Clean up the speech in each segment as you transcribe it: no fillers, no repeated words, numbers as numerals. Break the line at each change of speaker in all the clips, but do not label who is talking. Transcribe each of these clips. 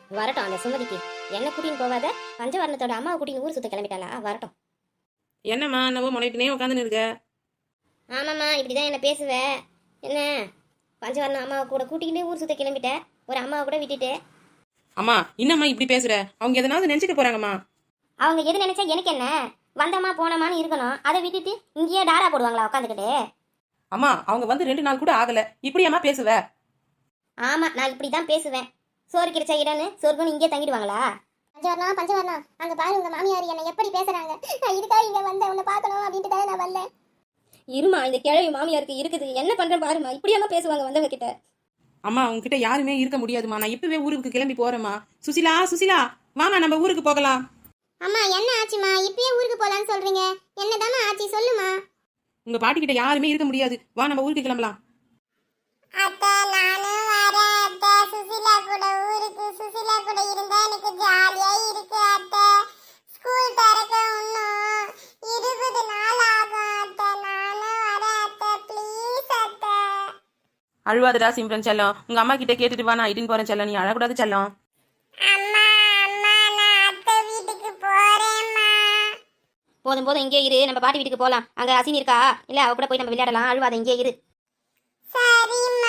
வரட்டும் அந்த சுமதிக்கு. என்ன கூட்டின்னு போவாத, பஞ்சவர்ணத்தோட அம்மாவை கூட்டின்னு ஊர் சுத்த கிளம்பிட்டாளா? வரட்டும்.
என்னம்மா என்னவோ முனைக்கினே உட்காந்துன்னு இருக்க?
ஆமாம்மா, இப்படிதான் என்ன பேசுவ. என்ன பஞ்சவர்ணம் அம்மாவை கூட கூட்டிக்கிட்டு ஊர் சுத்த கிளம்பிட்ட, ஒரு அம்மாவை கூட விட்டுட்டு.
அம்மா என்னம்மா இப்படி பேசுற? அவங்க எதனாவது நினைச்சுக்க போறாங்கம்மா.
அவங்க எது நினைச்சா எனக்கு என்ன? வந்தம்மா போனமான்னு இருக்கணும். அதை விட்டுட்டு இங்கேயே டாரா போடுவாங்களா உட்காந்துக்கிட்டு?
அம்மா அவங்க வந்து 2 நாள் கூட ஆகல, இப்படியாம்மா பேசுவ?
ஆமா, நான் இப்படிதான் பேசுவேன். சோறு கிடைச்ச இடம்னு சொர்க்கம்னு இங்கே தங்கிடுவாங்களா? பஞ்சவர்ணம் பஞ்சவர்ணம், அங்க பாரு உங்க மாமியார் என்ன எப்படி பேசுறாங்க. நான் இதுக்காக இங்க வந்தேன், உன்னை பார்க்கணும் அப்படின்ட்டு தான் நான் வந்தேன். இருமா, இந்த கிழவி மாமியாருக்கு இருக்குது, என்ன பண்றேன் பாருமா. இப்படியாம பேசுவாங்க வந்தவங்க கிட்ட.
அம்மா உங்ககிட்ட யாருமே இருக்க முடியாதுமா, நான் இப்பவே ஊருக்கு கிளம்பி போறேம்மா. சுசிலா சுசிலா வாமா நம்ம ஊருக்கு போகலாம்.
அம்மா என்ன ஆச்சுமா, இப்பயே ஊருக்கு போலான்னு சொல்றீங்க? என்னதாம்மா ஆச்சு சொல்லுமா.
உங்க பாட்டி கிட்ட யாருமே இருக்க முடியாது, வா நம்ம ஊருக்கு கிளம்பலாம்.
அத்தை நானும் வரேன் அத்தை. சுசிலா கூட ஊருக்கு. சுசிலா கூட இருந்தா எனக்கு ஜாலியா இருக்கு அத்தை. ஸ்கூல் திறக்க இன்னும் 20 நாள் ஆகும் அத்தை. நானும் வரேன் அத்தை, ப்ளீஸ் அத்தை.
அழுவாதடா சிம்ரன் செல்லம், உங்க அம்மா கிட்ட கேட்டுட்டு வா, நான் இட்டுன்னு போறேன் செல்லம், நீ அழக்கூடாது செல்லம்.
அம்மா அம்மா, நான் அத்தை வீட்டுக்கு போறேம்மா.
போதும் போதும், இங்கே இரு, நம்ம பாட்டி வீட்டுக்கு போலாம். அங்க அசினி இருக்கா இல்ல, அவ கூட போய் நம்ம விளையாடலாம். அழுவாத, இங்கே இரு.
சரிம்மா.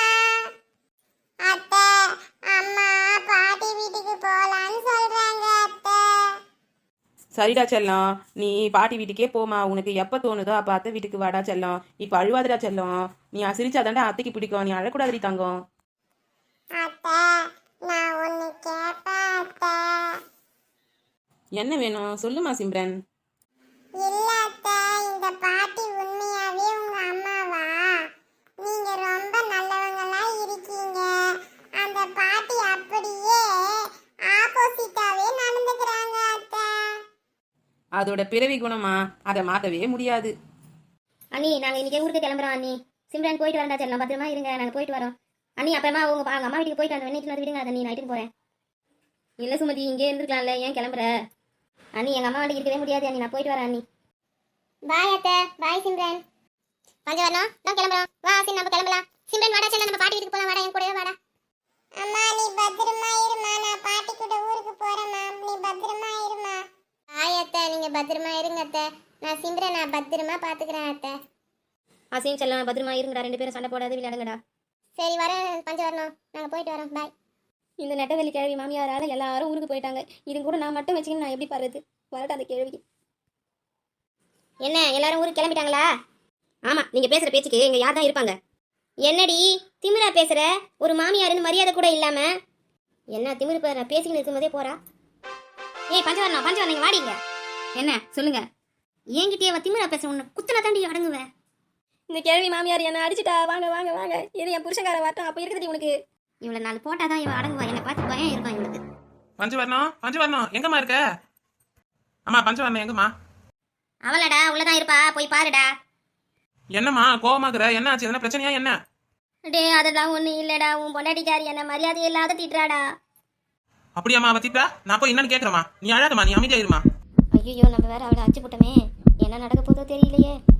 அத்தை அம்மா பாட்டி வீட்டுக்கு போலான்னு சொல்றாங்க அத்தை.
சரிடா செல்லம், நீ பாட்டி வீட்டுக்கே போமா, உனக்கு எப்ப தோணுதோ அப்ப அத்தை வீட்டுக்கு வாடா செல்லம். இப்ப அழுவாதடா செல்லம், நீ சிரிச்சாதாண்டா அத்தைக்கு பிடிக்கும், நீ அழக்கூடாது தங்கம்.
அத்தை நான் ஒன்னு கேட்பேன் அத்தை.
என்ன வேணும் சொல்லுமா சிம்ரன்.
இல்ல அத்தை, இந்த பாட்டி உண்மையாவே உங்க அம்மாவா? நீங்க ரொம்ப நல்லவங்களா இருக்கீங்க. அந்த பாட்டி அப்படியே ஆப்போசிட்டாவே நடந்துக்கிறாங்க அத்தை.
அதோட பிறவி குணமா, அதை மாத்தவே முடியாது.
அண்ணி, நாங்க இன்னைக்கு ஊருக்கு கிளம்புறோம் அண்ணி. சிம்ரன் போயிட்டு வரண்டா, சரி பத்திரமா இருங்க, நாங்க போயிட்டு வரோம் அண்ணி. அப்புறமா உங்க அம்மா வீட்டுக்கு போயிட்டு வந்து வெண்ணிட்டு விடுங்க அண்ணி, நான் நைட்டுக்கு போறேன். இல்ல சுமதி, இங்கே இருந்துக்கலாம்ல, ஏன் கிளம்புற? அண்ணி எங்க அம்மா வீட்டுக்கு இருக்கவே முடியாது அண்ணி, நான் போயிட்டு வரேன் அண்ணி. பாய் அத்தை, பாய் சிம்ரன். பஞ்சவர்ணம் நான் கிளம்புறோம், வா ஆசின் நம்ம கிளம்பலாம். சிம்ரன் வாடா, செல்ல நம்ம பாட்டி வீட்டுக்கு போலாம், வாடா என் கூடவே வாடா.
அம்மா நீ பத்திரமா இருமா, நான் பாட்டி கூட ஊருக்கு போறேம்மா. நீ பத்திரமா இருமா.
பாய் அத்தை, நீங்க பத்திரமா இருங்க அத்தை. நான் சிம்ரன் நான் பத்திரமா பாத்துக்கிறேன் அத்தை. அசின் செல்லம் பத்திரமா இருங்கடா, 2 பேரும் சண்டை போடாது விளையாடுங்கடா. சரி வரேன் பஞ்சவர்ணம், நாங்க போயிட்டு வரோம், பாய். இந்த நெட்டவெளி கிழவி மாமியாரால எல்லாரும் ஊருக்கு போயிட்டாங்க. இது கூட நான் மட்டும் வச்சுக்கின்னு நான் எப்படி பாருது? வரட்டும் அந்த கிழவிக்கு. என்ன எல்லாரும் ஊருக்கு கிளம்பிட்டாங்களா? ஆமா, நீங்க பேசுற பேச்சுக்கு இங்க யார் தான் இருப்பாங்க? என்னடி திமிரா பேசுற? ஒரு மாமியாருன்னு மரியாதை கூட இல்லாம என்ன திமிரு பேசிக்கிட்டு இருக்கும்போதே போறா. ஏய் பஞ்சவர்ணம் பஞ்சவர்ணம், நீங்க வாடிங்க. என்ன சொல்லுங்க? என்கிட்டயே திமிரா பேசுற, உன்னை குத்தனை தாண்டி அடங்குவேன். இந்த கிழவி மாமியார் என்ன அடிச்சுட்டா. வாங்க வாங்க வாங்க, இது என் புருஷங்கார வாட்டம். அப்ப இருக்குது உனக்கு. இவ்வளவு நாள் போட்டாதான் இவன் அடங்குவா. என்னை பார்த்து பயம் இருக்கும் இவனுக்கு.
பஞ்சவர்ணம் பஞ்சவர்ணம் எங்கம்மா இருக்க? அம்மா பஞ்சவர்ணம் எங்கம்மா?
அவளடா உள்ளதான் இருப்பா, போய் பாருடா.
என்னம்மா கோவமாக்குற? என்ன ஆச்சு? என்ன பிரச்சனையா என்ன?
டே அதெல்லாம் ஒண்ணு இல்லடா, உன் பொண்டாட்டிக்காரி என்ன மரியாதை இல்லாத திட்டுறாடா.
அப்படியாம்மா அவ திட்டா? நான் போய் என்னன்னு கேக்குறமா, நீ அழாதம்மா, நீ அமைதியா இருமா.
ஐயோ, நம்ம வேற அவளை அச்சு போட்டோமே, என்ன நடக்க போதோ தெரியலையே.